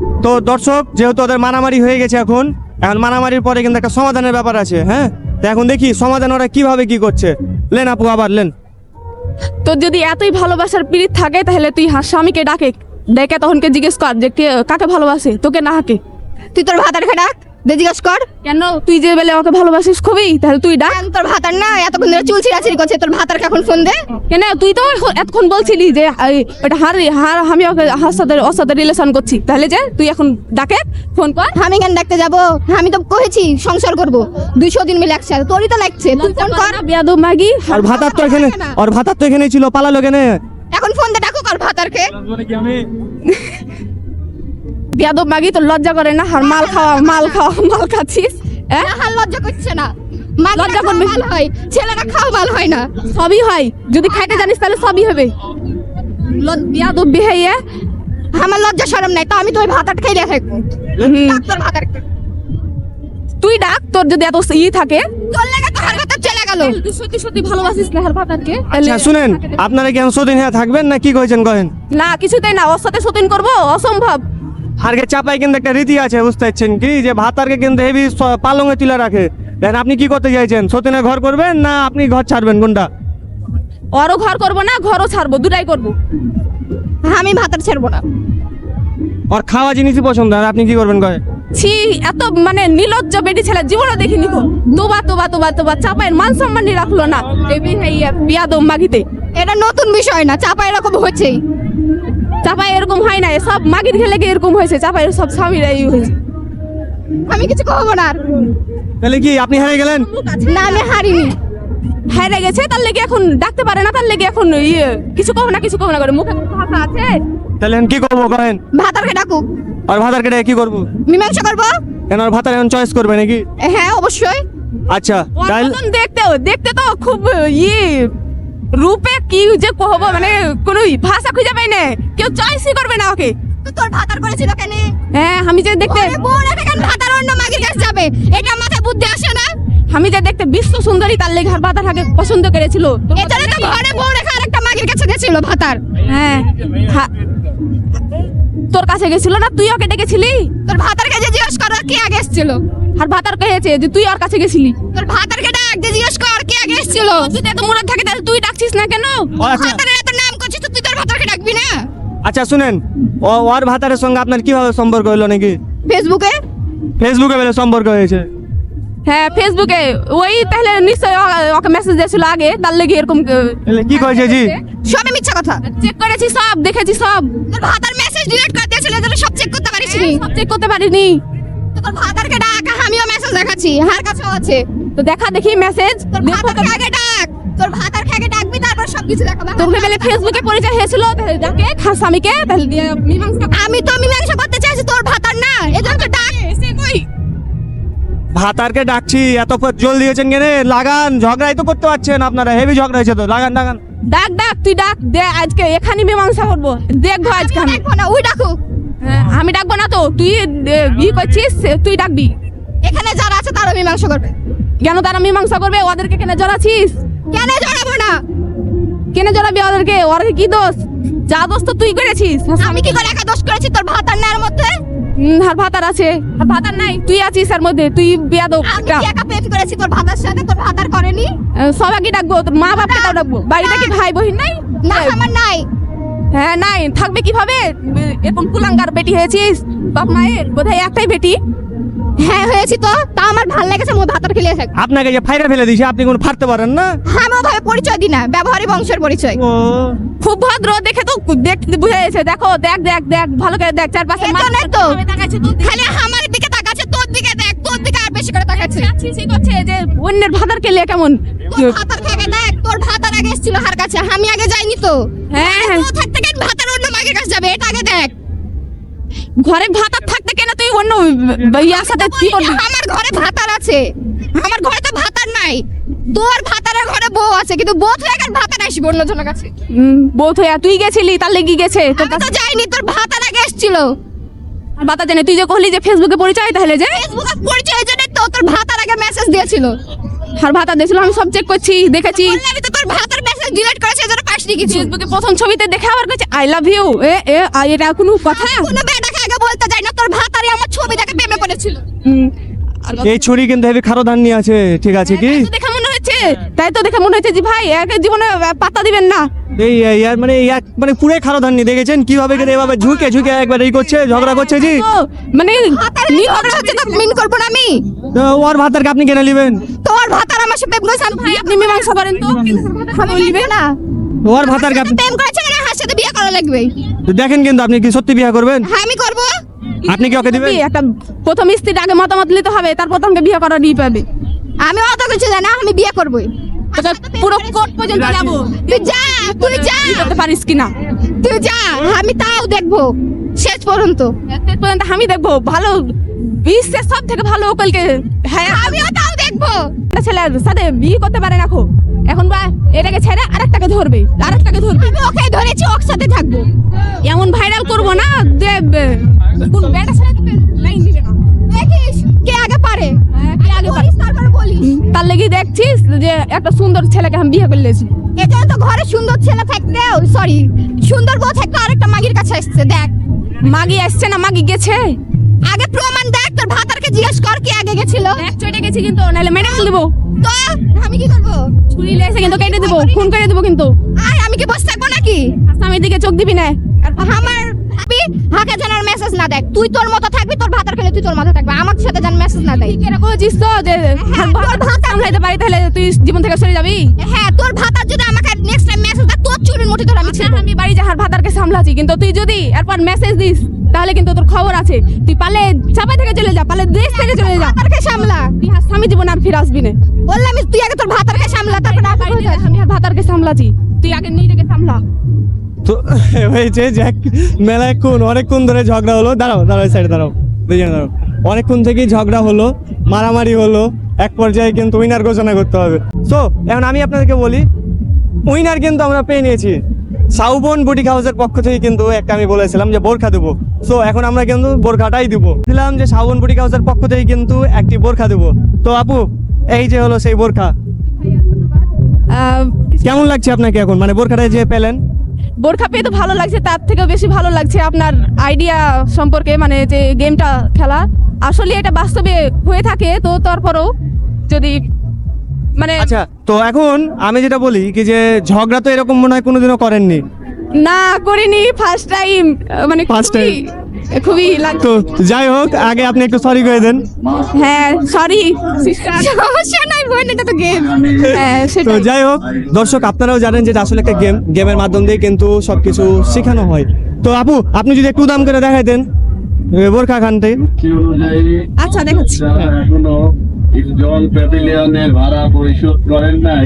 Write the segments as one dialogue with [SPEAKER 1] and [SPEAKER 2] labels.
[SPEAKER 1] তো দর্শক, যেহেতু ওদের মারামারি হয়ে গেছে, এখন মারামারির পরে কিন্তু একটা সমাধানের ব্যাপার আছে। হ্যাঁ, তো এখন দেখি সমাধান ওরা কিভাবে কি করছে। লেন আপু, আবার লেন।
[SPEAKER 2] তোর যদি এতই ভালোবাসার পীড়িত থাকে তাহলে তুই স্বামীকে ডেকে তখনকে জিজ্ঞেস কর যে কাকে ভালোবাসে, তোকে না হাকে।
[SPEAKER 3] তুই তোর ভাতারকে ডাক, জিজ্ঞেস কর।
[SPEAKER 2] কেন তুই যে বেলে ওকে ভালোবাসিস খুবই, তাহলে তুই ডাক।
[SPEAKER 3] তোর ভাতার না এতক্ষণ ধরে চুল ছিঁড়াছিড়ি করছে, তোর ভাতারকে এখন ফোন দে।
[SPEAKER 2] কেন তুই তো এতক্ষণ বলছিলি যে ওটা আমি ওকে ওর সাথে রিলেশন করছি, তাহলে যে তুই এখন ডাকে ফোন কর।
[SPEAKER 3] আমি কেন ডাকতে যাবো? আমি তো কহেছি সংসার করব 200 দিন মিলে একসাথে, তোরই তো লাগছে। তুই ফোন কর।
[SPEAKER 2] বিয়াদব মাগি।
[SPEAKER 1] আর ভাতার তো এখানেই ছিল, পালালো কেন?
[SPEAKER 3] এখন ফোন দে, ডাকো কর ভাতারকে।
[SPEAKER 2] বিয়াদব মাগি, তোর লজ্জা করে না? আর মাল খাচ্ছিস। হ্যাঁ,
[SPEAKER 3] হাল লজ্জা করছে না?
[SPEAKER 2] লজ্জা করবে।
[SPEAKER 3] ভালো হয়, ছেলেরা খাওয়া ভালো হয় না।
[SPEAKER 2] সবই হয়, যদি খাইতে জানিস তাহলে সবই হবে। বিয়াদব বিহাইয়া।
[SPEAKER 3] আমার লজ্জা শরম নাই, তো আমি তোর ভাতার খাই রেখে ডাক তোর ভাতারকে।
[SPEAKER 2] তুই ডাক, তোর যদি এত থাকে।
[SPEAKER 3] তোর লাগা তো হার ভাতার চলে গেল।
[SPEAKER 2] তুই সত্যি সত্যি ভালোবাসিস না হার ভাতারকে?
[SPEAKER 1] আচ্ছা শুনেন, আপনারা কি এখন সতীন হ্যাঁ থাকবেন না কি কইছেন কহেন?
[SPEAKER 2] না, কিছুতেই না, ওর সাথে সতীন করবো, অসম্ভব।
[SPEAKER 1] আরকে চাপাই কিন্তু একটা রীতি আছে, বুঝতে পারছেন কি, যে ভাতারকে কিন্তু হেভি পালঙে তুলে রাখে। দেখেন আপনি কি করতে চাইছেন, সতীনে ঘর করবেন না আপনি ঘর ছাড়বেন, কোনটা?
[SPEAKER 2] ওরও ঘর করবো না, ঘরও ছাড়বো, দুটাই করবো।
[SPEAKER 3] আমি ভাতার ছাড়বো না।
[SPEAKER 1] ওর খাওয়া জিনিসই পছন্দ, আর আপনি কি করবেন কয়ে?
[SPEAKER 2] ছি, এত মানে নির্লজ্জ বেটি ছেলে জীবনে দেখিনি গো। তোবা চাপায়ের মান সম্মান রাখলো না এই বিয়াদব মাগিতে।
[SPEAKER 3] এটা নতুন বিষয় না, চাপা এরকম হচ্ছেই।
[SPEAKER 2] চাপাই এরকম হয় না, সব মাগির খেলে গিয়ে এরকম হয়েছে, চাপাই সব স্বামীরা এই হয়েছে।
[SPEAKER 3] আমি কিছু কহবো না আর।
[SPEAKER 1] তাহলে কি আপনি হেরে গেলেন?
[SPEAKER 3] না, আমি হারিনি।
[SPEAKER 2] হাইরে গেছে, তার লেগে এখন ডাকতে পারে না, তার লেগে এখন কিছু কব না করে মুখে ভাষা আছে।
[SPEAKER 1] তাহলে এখন কি করবো কহেন?
[SPEAKER 3] ভাতারকে ডাকুক।
[SPEAKER 1] আর ভাতারকে ডেকে কি করবো?
[SPEAKER 3] মীমাংসা করবো।
[SPEAKER 1] কেন আর ভাতার এখন চয়েস করবে নাকি?
[SPEAKER 3] হ্যাঁ অবশ্যই।
[SPEAKER 1] আচ্ছা
[SPEAKER 2] ওর
[SPEAKER 1] তাহলে
[SPEAKER 2] মতন দেখতে তো খুব রূপে কি যে কহবো, মানে কোনো ভাষা খুঁজে পাই না, কেউ চয়েসই করবে না ওকে।
[SPEAKER 3] তো তোর ভাতার করেছিল কেন?
[SPEAKER 2] হ্যাঁ, আমি যে দেখতে
[SPEAKER 3] ভাতার অন্য মাগির কাছে যাবে, এটা মাথায় বুদ্ধি আসে না?
[SPEAKER 2] বিশ্ব সুন্দরী, তার লেগে আর ভাতার আগে পছন্দ করেছিল।
[SPEAKER 3] এছাড়া তো ঘরে বউ রেখে আরেকটা মাগির কাছে গেছিল ভাতার।
[SPEAKER 2] হ্যাঁ, তোর কাছে গেছিল না, তুই ওকে ডেকেছিলি?
[SPEAKER 3] তোর ভাতার কাছে জিজ্ঞেস কর কে আগে এসেছিল।
[SPEAKER 2] আর ভাতার কহেছে যে তুই ওর কাছে গেছিলি।
[SPEAKER 3] তোর ভাতারকে ডাক দিয়ে জিজ্ঞেস কর কে আগে এসেছিল।
[SPEAKER 2] তুই এত মুরদ থাকে তাহলে তুই ডাকছিস না কেন?
[SPEAKER 1] আচ্ছা
[SPEAKER 3] ভাতারের এত নাম করছিস তো তুই তোর ভাতারকে ডাকবি না?
[SPEAKER 1] আচ্ছা শুনেন, ওর ভাতারের সঙ্গে আপনার কিভাবে সম্পর্ক হলো নাকি?
[SPEAKER 3] ফেসবুকে
[SPEAKER 1] বেলে সম্পর্ক হয়েছে?
[SPEAKER 2] হ্যাঁ, ফেসবুকে। ওই তাহলে নিশ্চয়ই ওকে মেসেজ দিয়েছিল আগে, তার লেগে এরকম।
[SPEAKER 1] তাহলে কি কইছে জি?
[SPEAKER 3] সবই মিথ্যা কথা।
[SPEAKER 2] চেক করেছি সব, দেখেছি সব।
[SPEAKER 3] তোর ভাতার মেসেজ ডিলিট করে দিয়েছিল, যেটা সব চেক করতে পারিসনি।
[SPEAKER 2] সব চেক করতে পারিনি।
[SPEAKER 3] তোর ভাতারকে ডাক, আমিও মেসেজ দেখাচ্ছি, হার কাছেও আছে।
[SPEAKER 2] তো দেখা দেখি মেসেজ।
[SPEAKER 3] তোর ভাতারকে আগে ডাক, তোর ভাতারকে আগে ডাকবি, তারপর সবকিছু দেখাবো।
[SPEAKER 2] তোকে বেলে ফেসবুকে পরিচয় হয়েছিল, তাহলে ডাকে স্বামীকে, তাহলে দিয়ে মীমাংসা।
[SPEAKER 3] আমি তো মীমাংসা করতে চাইছি, তোর ভাতার না, এজন্য তো ডাক।
[SPEAKER 2] সে কই?
[SPEAKER 1] ভাতারকে ডাকছি, এত জল দিয়েছেন কেন? লাগান, ঝগড়াই তো করতে পারছেন আপনারা, হেভি ঝগড়া হয়েছে তো, লাগান।
[SPEAKER 2] ডাক তুই ডাক দে, আজকে এখানে মীমাংসা করবো, দেখবো আজকে আমি।
[SPEAKER 3] ডাকবো না, ওই ডাকুক।
[SPEAKER 2] হ্যাঁ, আমি ডাকবো না তো, তুই করছিস, তুই ডাকবি।
[SPEAKER 3] এখানে যারা আছে তারা মীমাংসা করবে।
[SPEAKER 2] কেন তারা মীমাংসা করবে? ওদেরকে কেন জড়াচ্ছিস?
[SPEAKER 3] কেন জড়াবো না?
[SPEAKER 2] কেন জড়াবি ওদেরকে? ওর কি দোষ? যা দোষ তো তুই করেছিস।
[SPEAKER 3] আমি কি করে একা দোষ করেছি? তোর ভাতার না এর মধ্যে?
[SPEAKER 2] আর ভাতার আছে, আর ভাতার নাই, তুই আছিস এর মধ্যে, তুই বিয়াদব।
[SPEAKER 3] আমি কি একা প্রেম করেছি তোর ভাতার সাথে? তোর ভাতার করেনি?
[SPEAKER 2] সবাইকে ডাকবো, তোর মা বাপকে তাও ডাকবো। বাড়িতে কি ভাই বহিন নাই?
[SPEAKER 3] না, আমার নাই।
[SPEAKER 2] হ্যাঁ নাই, থাকবে কিভাবে? এরকম কুলাঙ্গার বেটি হয়েছিস, বাপ মায়ের বোধহয় একটাই বেটি।
[SPEAKER 3] হ্যাঁ হয়েছি তো, তা আমার ভালো লেগেছে, মোর ভাতার খেলিয়ে থাক।
[SPEAKER 1] আপনাকে যে ফাইরা ফেলে দিয়েছে, আপনি কোনো ফাড়তে পারেন না?
[SPEAKER 3] আমি ওভাবে পরিচয় দিই না, ব্যবহারিক বংশের পরিচয়।
[SPEAKER 1] ও
[SPEAKER 2] খুব ভদ্র, দেখে তো দেখতে বুঝা যাচ্ছে। দেখো, দেখ ভালো করে দেখ, চারপাশে
[SPEAKER 3] এজন্যই তো খালি আমার দিকে তাকাচ্ছে, তোর দিকে দেখ, তোর দিকে আর বেশি করে তাকাচ্ছে।
[SPEAKER 2] করছে যে অন্যের ভাতার কে লিয়ে কেমন।
[SPEAKER 3] তোর ভাতার থেকে দেখ, তোর ভাতার আগে এসেছিল হার কাছে, আমি আগে যাইনি তো।
[SPEAKER 2] হ্যাঁ,
[SPEAKER 3] ও থাকতে কেন ভাতার অন্য মাগের কাছে যাবে? এটা আগে দেখ।
[SPEAKER 2] ঘরে ভাতার থাকতে কেন তুই অন্য ইয়ার সাথে কি করবি?
[SPEAKER 3] আমার ঘরে ভাতার আছে, আমার ঘরে তো ভাতার নাই। তোর ভাতারের ঘরে বউ আছে, কিন্তু বউ থেকে এখন ভাতার আসবে অন্যজনের কাছে।
[SPEAKER 2] বোধ হইয়া তুই গেছিলি, তার লেগে গেছে। তোর
[SPEAKER 3] আমি তো যাইনি, তোর ভাতার আগে এসেছিল।
[SPEAKER 2] ভাতা জানে, তুই যে কহলি যে ফেসবুকে পরিচয়, তাহলে যে
[SPEAKER 3] ফেসবুকে পরিচয় জন্য তো তোর ভাতার আগে মেসেজ দিয়েছিল।
[SPEAKER 2] আর ভাতা দিয়েছিল, আমি সব চেক করছি, দেখেছি।
[SPEAKER 3] আমি তো তোর ভাতার মেসেজ ডিলিট করেছে, এজন্য পাসনি কিছু।
[SPEAKER 2] ফেসবুকে প্রথম ছবিতে দেখে আবার কইছে আই লাভ ইউ। এটা কোনো কথা?
[SPEAKER 3] কোনো বেটাকে আগে বলতে যাই না, তোর
[SPEAKER 2] আর
[SPEAKER 1] এই ছুরি কিন্তু হেভি খারো ধান নিয়ে আছে, ঠিক আছে কি?
[SPEAKER 2] তাই তো দেখে মনে হচ্ছে যে ভাই একে জীবনে পাত্তা দিবেন না।
[SPEAKER 1] এই ইয়ার মানে মানে পুরো খারো ধান নিয়ে দেখেছেন কিভাবে করে এভাবে ঝুঁকে ঝুঁকে একবার এই করছে, ঝগড়া করছে জি।
[SPEAKER 2] তো মানে
[SPEAKER 3] ভাতার ঝগড়া হচ্ছে তো মিন করবো না আমি।
[SPEAKER 1] তো ওর ভাতারকে আপনি কেন নেবেন?
[SPEAKER 3] তোর ভাতার আমার সাথে প্রেম করেছে,
[SPEAKER 2] ভাই আপনি মীমাংসা করেন তো,
[SPEAKER 3] আমি নিবে না।
[SPEAKER 1] ওর ভাতারকে আপনি
[SPEAKER 3] প্রেম করেছে মানে হার সাথে বিয়ে করা লাগবে।
[SPEAKER 1] দেখেন কিন্তু আপনি কি সত্যি বিয়ে করবেন?
[SPEAKER 3] হ্যাঁ আমি করবো।
[SPEAKER 1] আপনি কি ওকে দিবেন?
[SPEAKER 2] একটা প্রথম স্ত্রীর আগে মতামত নিতে হবে, তারপর তোমাকে বিয়ে করা নিয়ে পাবে।
[SPEAKER 3] আমি অত কিছু জানি না, আমি বিয়ে করবোই।
[SPEAKER 2] তোকে পুরো কোর্ট পর্যন্ত যাবো,
[SPEAKER 3] তুই যা, তুই যা,
[SPEAKER 2] বিয়ে করতে পারিস কিনা
[SPEAKER 3] তুই যা, আমি তাও দেখবো শেষ পর্যন্ত।
[SPEAKER 2] শেষ পর্যন্ত আমি দেখবো ভালো বিশ্বের সব থেকে ভালো উকিলকে। হ্যাঁ
[SPEAKER 3] আমিও তাও দেখবো।
[SPEAKER 2] একটা ছেলের সাথে বিয়ে করতে পারে না এখন বা এটাকে ছেড়ে আরেকটাকে ধরবে, আরেকটাকে ধরবে।
[SPEAKER 3] আমি ওকে ধরেছি, ওর সাথে থাকবো।
[SPEAKER 2] এমন ভাইরাল করবো না যে কোন বেটা ছেলে তোকে লাইন দিবে না।
[SPEAKER 3] দেখিস কে আগে পারে,
[SPEAKER 2] কে আগে পারে?
[SPEAKER 3] বলিস তারপর বলিস।
[SPEAKER 2] তার লেগে দেখছিস যে একটা সুন্দর ছেলেকে আমি বিয়ে করে লেছি।
[SPEAKER 3] এটা তো ঘরে সুন্দর ছেলে থাকতেও, সরি সুন্দর বউ থাকতে আরেকটা মাগির কাছে আসছে। দেখ
[SPEAKER 2] মাগি আসছে না মাগি গেছে,
[SPEAKER 3] আগে প্রমাণ দেখ, তোর ভাতারকে জিজ্ঞেস কর কি আগে গেছিল।
[SPEAKER 2] এক চটে গেছে কিন্তু, নাহলে মেডিকেল দেবো।
[SPEAKER 3] তো আমি কি করবো?
[SPEAKER 2] ছুরি লেগেছে কিন্তু কেটে দেবো, খুন করে দেবো কিন্তু।
[SPEAKER 3] আয় আমি কি বসে থাকবো নাকি?
[SPEAKER 2] স্বামীর দিকে চোখ দিবি না।
[SPEAKER 3] আমার ভাবি হাকে জানার মেসেজ না দেখ, তুই তোর মতো থাকবি, তোর ভাতার খেলে তুই তোর মতো থাকবি, আমার সাথে জান মেসেজ না দেয়।
[SPEAKER 2] এরকম হচ্ছিস তো যে
[SPEAKER 3] তোর ভাত
[SPEAKER 2] সামলাইতে পারি তাহলে তুই জীবন থেকে সরে যাবি।
[SPEAKER 3] হ্যাঁ তোর ভাতার যদি আমাকে নেক্সট টাইম মেসেজ দেয়, তোর চুরির মুঠি ধরে আমি ছিড়বো।
[SPEAKER 2] আমি বাড়ি যাহার ভাতারকে সামলাছি, কিন্তু তুই যদি এরপর মেসেজ দিস তাহলে কিন্তু তোর খবর আছে। তুই পালে চাপা থেকে চলে যা, পালে দেশ থেকে চলে যা,
[SPEAKER 3] ভাতারকে সামলা।
[SPEAKER 2] তুই আর স্বামী জীবন আর ফিরে আসবি না।
[SPEAKER 3] বললাম তুই আগে তোর ভাতারকে সামলা, তারপর
[SPEAKER 2] আমি আর ভাতারকে সামলাছি, তুই আগে নিজেকে সামলা।
[SPEAKER 1] তো হয়েছে যে অনেকক্ষণ ধরে ঝগড়া হলো। দাঁড়াও দাঁড়াও, সাইডে দাঁড়াও, দুজনে দাঁড়াও। অনেকক্ষণ থেকেই ঝগড়া হলো, মারামারি হলো, এক পর্যায়ে কিন্তু উইনার ঘোষণা করতে হবে। সো এখন আমি আপনাদেরকে বলি, উইনার কিন্তু আমরা পেয়ে নিয়েছি। সাউবন বুটিক হাউসের পক্ষ থেকে কিন্তু একটা আমি বলেছিলাম যে বোরখা দেবো। সো এখন আমরা কিন্তু বোরখাটাই দিব। দিলাম যে সাউবন বুটিক হাউসের পক্ষ থেকে কিন্তু একটি বোরখা দেবো। তো আপু এই যে হলো সেই বোরখা, কেমন লাগছে আপনাকে এখন, মানে বোরখাটা যে পেলেন?
[SPEAKER 2] বোরখা পেয়ে তো ভালো লাগছে, তার থেকেও বেশি ভালো লাগছে আপনার আইডিয়া সম্পর্কে, মানে যে গেমটা খেলা আসলে এটা বাস্তবে হয়ে থাকে। তো তারপরেও যদি মানে
[SPEAKER 1] আচ্ছা, তো এখন আমি যেটা বলি কি যে ঝগড়া তো এরকম মনে হয় কোনোদিনও করেননি।
[SPEAKER 2] না করিনি, ফার্স্ট টাইম, মানে
[SPEAKER 1] First time?
[SPEAKER 2] খুবই লাগতো।
[SPEAKER 1] তো যাই হোক, আগে আপনি একটু সরি করে দেন।
[SPEAKER 2] হ্যাঁ সরি সিস্টার,
[SPEAKER 3] সমস্যা নাই বোন, এটা তো গেম।
[SPEAKER 2] হ্যাঁ
[SPEAKER 1] তো
[SPEAKER 2] সেটাই।
[SPEAKER 1] যাই হোক দর্শক, আপনারাও জানেন যে এটা আসলে একটা গেমের মাধ্যম দিয়ে কিন্তু সবকিছু শেখানো হয়। তো আপু আপনি যদি একটু দাম করে দেখাইতেন বোরখা খানতে।
[SPEAKER 2] আচ্ছা দেখাচ্ছি।
[SPEAKER 4] যারা এখনো ইস্টজল প্যাভিলিয়নের ভাড়া পরিশোধ করেন নাই,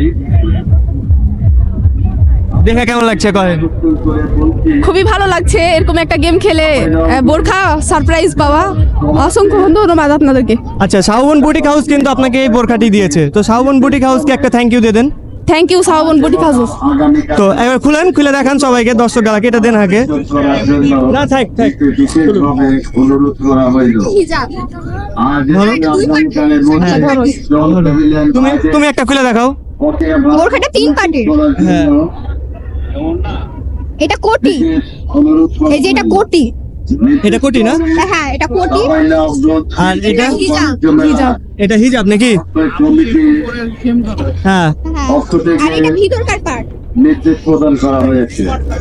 [SPEAKER 1] দেখে কেমন লাগছে করেন?
[SPEAKER 2] খুবই ভালো লাগছে এরকম একটা গেম খেলে বোরখা সারপ্রাইজ পাওয়া। অসংখ্য ধন্যবাদ আপনাদেরকে।
[SPEAKER 1] আচ্ছা, সাউবন বুটিক হাউস কিন্তু আপনাকে এই বোরখাটি দিয়েছে। তো সাউবন বুটিক হাউসকে একটা থ্যাংক ইউ দিয়ে দেন।
[SPEAKER 2] থ্যাংক ইউ সাউবন বুটিক হাউস।
[SPEAKER 1] তো এবার খুলে দেখান সবাইকে, দর্শক গালাকে এটা দেন আগে। না থাক থাক,
[SPEAKER 4] বিশেষভাবে অনুরোধ করা হইল।
[SPEAKER 3] হিজাব।
[SPEAKER 4] আর আগামীকালের মধ্যে ইস্টজল প্যাভিলিয়ন
[SPEAKER 1] তুমি একটা খুলে দেখাও।
[SPEAKER 3] বোরখাটা 3 পার্টের।
[SPEAKER 1] হ্যাঁ।
[SPEAKER 3] এটা কোটি,
[SPEAKER 4] অনুরোধ করা
[SPEAKER 3] এই যে এটা কোটি।
[SPEAKER 1] এটা কোটি না?
[SPEAKER 3] হ্যাঁ এটা কোটি।
[SPEAKER 1] আর এটা
[SPEAKER 3] হিজাব।
[SPEAKER 1] এটা হিজাব নাকি? হ্যাঁ।
[SPEAKER 3] হ্যাঁ
[SPEAKER 4] পক্ষ থেকে
[SPEAKER 3] আর এটা ভিতরকার পার্ট।
[SPEAKER 4] নির্দেশ প্রদান করা হয়েছে।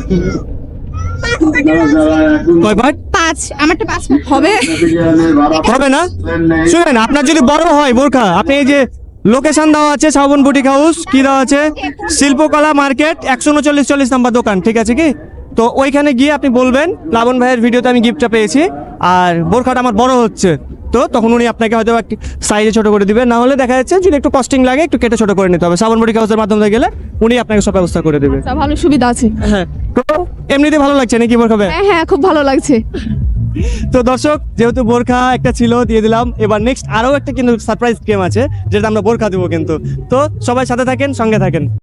[SPEAKER 4] যারা এখন
[SPEAKER 1] কয় পার্ট
[SPEAKER 3] 5, আমারটা 5
[SPEAKER 2] হবে।
[SPEAKER 4] প্যাভিলিয়নের ভাড়া
[SPEAKER 1] হবে না?
[SPEAKER 4] দেন নাই,
[SPEAKER 1] শুনেন, আপনার যদি বড় হয় বোরখা, আপনি এই যে লোকেশন দেওয়া আছে সাউবন বুটিক হাউস, কি দেওয়া আছে, শিল্পকলা মার্কেট 139 নাম্বার দোকান, ঠিক আছে কি? তো ওইখানে গিয়ে আপনি বলবেন প্লাবন ভাইয়ের ভিডিওতে আমি গিফটটা পেয়েছি আর বোরখাটা আমার বড় হচ্ছে। তো তখন উনি আপনাকে হয়তো একটু সাইজে ছোট করে দিবেন, না হলে দেখা যাচ্ছে যদি একটু কস্টিং লাগে একটু কেটে ছোট করে নিতে হবে। সাউবন বুটিক হাউসের মাধ্যমে গেলে উনি আপনাকে সব ব্যবস্থা করে দেবে।
[SPEAKER 2] আচ্ছা, ভালো সুবিধা আছে।
[SPEAKER 1] হ্যাঁ, তো এমনিতে ভালো লাগছে নাকি বোরখা ভাই?
[SPEAKER 2] হ্যাঁ হ্যাঁ খুব ভালো লাগছে।
[SPEAKER 1] তো দর্শক, যেহেতু বোরখা একটা ছিল দিয়ে দিলাম, এবার নেক্সট আরও একটা কিন্তু সারপ্রাইজ গেম আছে যেটা আমরা বোরখা দেবো কিন্তু। তো সবাই সাথে থাকেন, সঙ্গে থাকেন।